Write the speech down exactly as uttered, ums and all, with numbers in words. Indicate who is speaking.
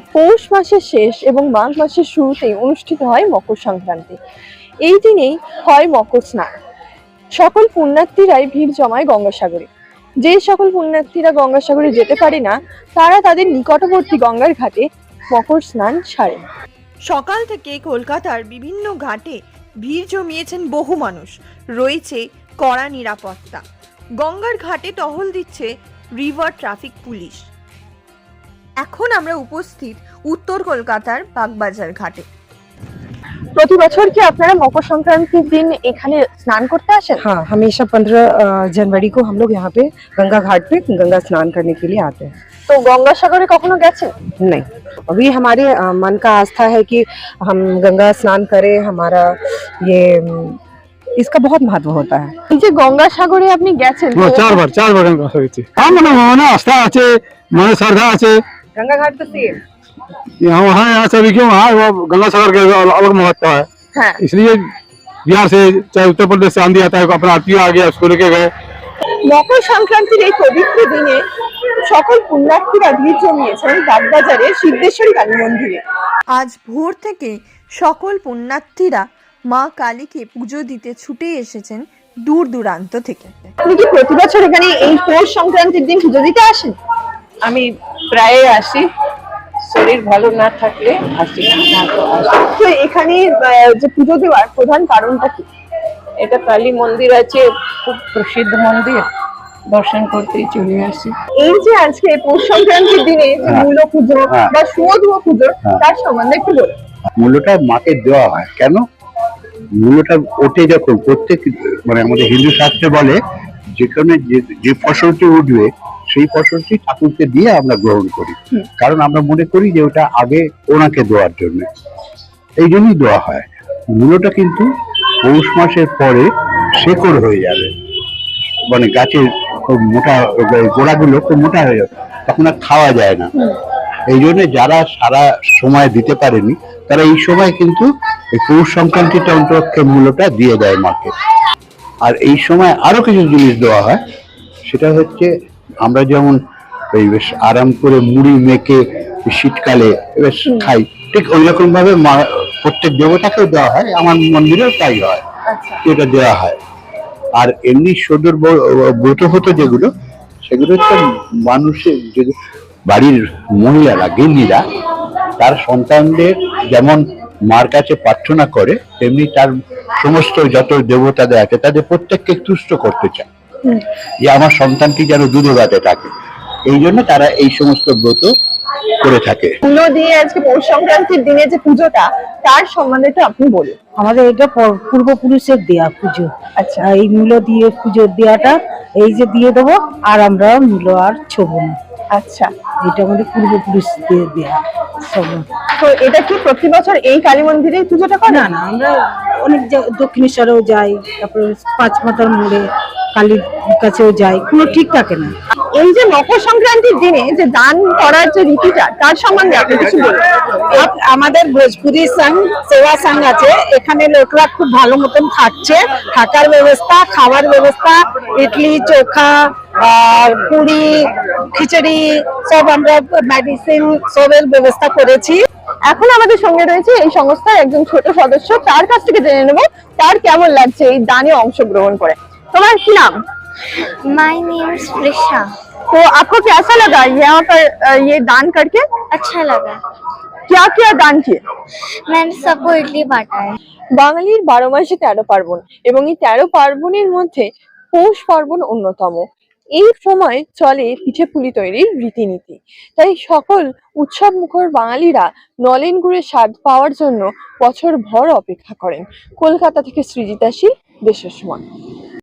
Speaker 1: পৌষ মাসের শেষ এবং মাঘ মাসের শুরুতেই অনুষ্ঠিত হয় মকর সংক্রান্তি। এই দিনেই হয় মকর স্নান। সকল পুণ্যার্থীরাই ভিড় জমায় গঙ্গাসাগরে। যে সকল পুণ্যার্থীরা গঙ্গাসাগরে যেতে পারে না, তারা তাদের নিকটবর্তী গঙ্গার ঘাটে মকর স্নান সারেন। সকাল থেকে কলকাতার বিভিন্ন ঘাটে ভিড় জমিয়েছেন বহু মানুষ। রয়েছে কড়া নিরাপত্তা। গঙ্গার ঘাটে টহল দিচ্ছে রিভার ট্রাফিক পুলিশ। এখন আমরা উপস্থিত উত্তর কলকাতার বাগবাজার ঘাটে। প্রতি বছর কি আপনারা মকর সংক্রান্তির দিন এখানে স্নান করতে আসেন?
Speaker 2: हाँ, हमेशा पंद्रह जनवरी को हम लोग यहाँ पे गंगा घाट पे गंगा स्नान करने के लिए आते हैं।
Speaker 1: তো গঙ্গাসাগরে কখনো গেছেন?
Speaker 2: नहीं, अभी हमारे अ, मन का आस्था है कि हम गंगा स्नान करें। हमारा ये इसका बहुत महत्व होता है।
Speaker 1: এই যে গঙ্গাসাগরে আপনি গেছেন,
Speaker 3: ও চারবার চারবার গঙ্গা হয়েছে। আমার মনে আস্থা আছে, মনে শ্রদ্ধা আছে।
Speaker 2: गंगा घाट तो सेम
Speaker 3: यहाँ वहाँ यहाँ सभी क्यों वहाँ वो गंगा सागर का अलग महत्व है।
Speaker 1: হ্যাঁ,
Speaker 3: इसलिए बिहार से चाहे उत्तर प्रदेश से आंधी आता है, अपना आरती आ गया उसको लेके गए।
Speaker 1: মকর সংক্রান্তির এই পবিত্র দিনে সকল পুণ্যার্থীরা ভিড় জমিয়েছেন বাগবাজারের সিদ্ধেশ্বরী কালী মন্দিরে। আজ ভোর থেকে সকল পুণ্যার্থীরা মা কালীকে পুজো দিতে ছুটে এসেছেন দূর দূরান্ত থেকে। আপনি কি প্রতি বছর এখানে এই পৌষ সংক্রান্তির দিন পুজো দিতে আসেন?
Speaker 2: আমি প্রায় আসি, শরীর ভালো না থাকলে আসি না তো আসি।
Speaker 1: তো এখানে আহ, যে পুজো দেওয়ার প্রধান কারণটা কি?
Speaker 2: এটা কালী মন্দির আছে, খুব প্রসিদ্ধ মন্দির, দর্শন করতেই চলে আসি।
Speaker 1: এই যে আজকে পৌষ সংক্রান্তির দিনে যে
Speaker 4: হ্যাঁ।
Speaker 1: মূল পুজো
Speaker 4: হ্যাঁ।
Speaker 1: বা সুয়ধুয়া পুজো,
Speaker 4: হ্যাঁ।
Speaker 1: তার সম্বন্ধে একটু বলুন।
Speaker 4: মূল্যটা মাকে দেওয়া হয় কেন? মূল্যটা ওঠে যখন প্রত্যেক মানে আমাদের হিন্দু শাস্ত্রে বলে যেখানে যে- যে ফসলটি উঠবে সেই ফসলটি ঠাকুরকে দিয়ে আমরা গ্রহণ করি, কারণ আমরা মনে করি যে ওটা আগে ওনাকে দেওয়ার জন্য, এই জন্যই দেওয়া হয়। মূল্যটা কিন্তু পৌষ মাসের পরে শেকড় হয়ে যাবে, মানে গাছের খুব মোটা গোড়াগুলো খুব মোটা হয়ে যাবে, তখন আর খাওয়া যায় না। এই জন্য যারা সারা সময় দিতে পারেনি তারা এই সময় কিন্তু এই পৌষ সংক্রান্তিটা অন্তপক্ষে মূল্যটা দিয়ে দেয় মাকে। আর এই সময় আরো কিছু জিনিস দেওয়া হয়, সেটা হচ্ছে আমরা যেমন এই বেশ আরাম করে মুড়ি মেখে শীতকালে বেশ খাই, ঠিক ওই রকম ভাবে মা প্রত্যেক দেবতাকেও দেওয়া হয়, আমার মন্দিরেও তাই হয়, এটা দেওয়া হয়। আর এমনি সদর ব্রত হতো যেগুলো, সেগুলো হচ্ছে মানুষের যে বাড়ির মহিলারা গিন্নিরা তার সন্তানদের যেমন মার কাছে প্রার্থনা করে, তেমনি তার সমস্ত যত দেবতাদের আছে তাদের প্রত্যেককে তুষ্ট করতে চায় যে আমার সন্তানটি যেন দুধে ভাতে থাকে, এই জন্য তারা এই সমস্ত ব্রত করে থাকে।
Speaker 1: মূল্য দিয়ে আজকে পৌষ সংক্রান্তির দিনে যে পুজোটা, তার সম্বন্ধে একটু আপনি বলুন।
Speaker 2: আমাদের এটা প- পূর্বপুরুষের দেয়া পুজো।
Speaker 1: আচ্ছা,
Speaker 2: এই মূল্য দিয়ে পুজো দেওয়াটা এই যে দিয়ে দেবো, আর আমরা মূল্য আর ছোব না।
Speaker 1: আচ্ছা,
Speaker 2: এটা আমাদের পূর্বপুরুষদের দেয়া সব।
Speaker 1: তো এটা কি প্রতি বছর এই কালী মন্দিরে পুজোটা করে?
Speaker 2: না না, আমরা অনেক জা- দক্ষিণেশ্বরেও যাই, তারপরে পাঁচ মাথার মোড়ে কালীর কাছেও যাই, কোনো ঠিক থাকে না।
Speaker 1: এই যে মকর সংক্রান্তির দিনে যে দান করার যে রীতিটা, তার সম্বন্ধে আপনি কিছু বলুন।
Speaker 2: আপ- আমাদের ভোজপুরি সংঘ সেবা সংঘ আছে, এখানে লোকরা খুব ভালো মতন থাকছে, থাকার ব্যবস্থা, খাবার ব্যবস্থা, ইডলি চোখা আর পুরি খিচুড়ি সব আমরা মেডিসিন সবের ব্যবস্থা করেছি।
Speaker 1: এখন আমাদের সঙ্গে রয়েছে এই সংস্থার একজন ছোট সদস্য, তার কাছ থেকে জেনে নেব তার কেমন লাগছে এই দানে অংশগ্রহণ করে। তোমার কি নাম?
Speaker 5: My name is Prisha।
Speaker 1: तो आपको कैसा लगा यहाँ पर अ, ये दान करके?
Speaker 5: अच्छा लगा।
Speaker 1: क्या क्या दान किए?
Speaker 5: मैंने सबको इडली बांटा है।
Speaker 1: বাঙালির বারো মাসে তেরো পার্বণ এবং এই তেরো পার্বণের মধ্যে পৌষ পার্বণ অন্যতম। এই সময় চলে পিঠে পুলি তৈরির রীতিনীতি, তাই সকল উৎসব মুখর বাঙালিরা নলেন গুড়ের স্বাদ পাওয়ার জন্য বছর ভর অপেক্ষা করেন। কলকাতা থেকে সৃজিতা শীল, দেশের সময়।